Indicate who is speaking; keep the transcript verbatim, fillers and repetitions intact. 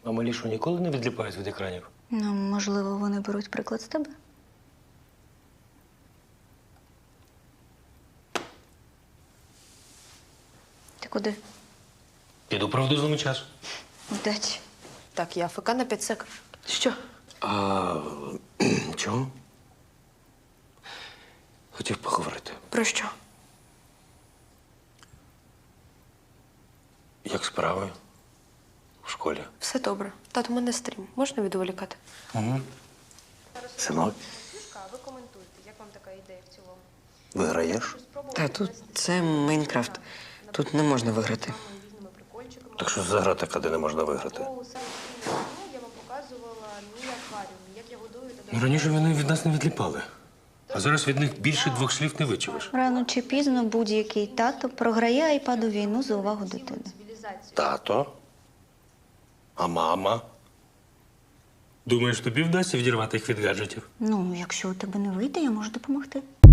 Speaker 1: А малі що, ніколи не відліпають від екранів?
Speaker 2: Ну, можливо, вони беруть приклад з тебе. Ти куди?
Speaker 1: Піду правду злому часу.
Speaker 2: Удачі.
Speaker 3: Так, я АФК на п'ять сек. Що?
Speaker 1: А чого? Хотів поговорити.
Speaker 3: Про що?
Speaker 1: Як справи? У школі?
Speaker 3: Все добре. Тато, у мене стрім. Можна відволікати?
Speaker 1: Угу. Синок,
Speaker 4: Ви коментуйте, як вам така ідея в цілому?
Speaker 1: виграєш?
Speaker 5: Та тут це Майнкрафт. Тут не можна виграти.
Speaker 4: Різними прикольчиками.
Speaker 1: Так що за гра така, де не можна виграти?
Speaker 4: У сайті я вам показувала мій акваріум, як я годую та
Speaker 1: Ну, раніше вони від нас не відліпали. А зараз від них більше двох слів не вичуєш.
Speaker 2: Рано чи пізно будь-який тато програє айпаду війну за увагу дитини.
Speaker 4: цивілізацію.
Speaker 1: Тато? А мама? Думаєш, тобі вдасться відірвати їх від гаджетів?
Speaker 2: Ну, якщо у тебе не вийде, я можу допомогти.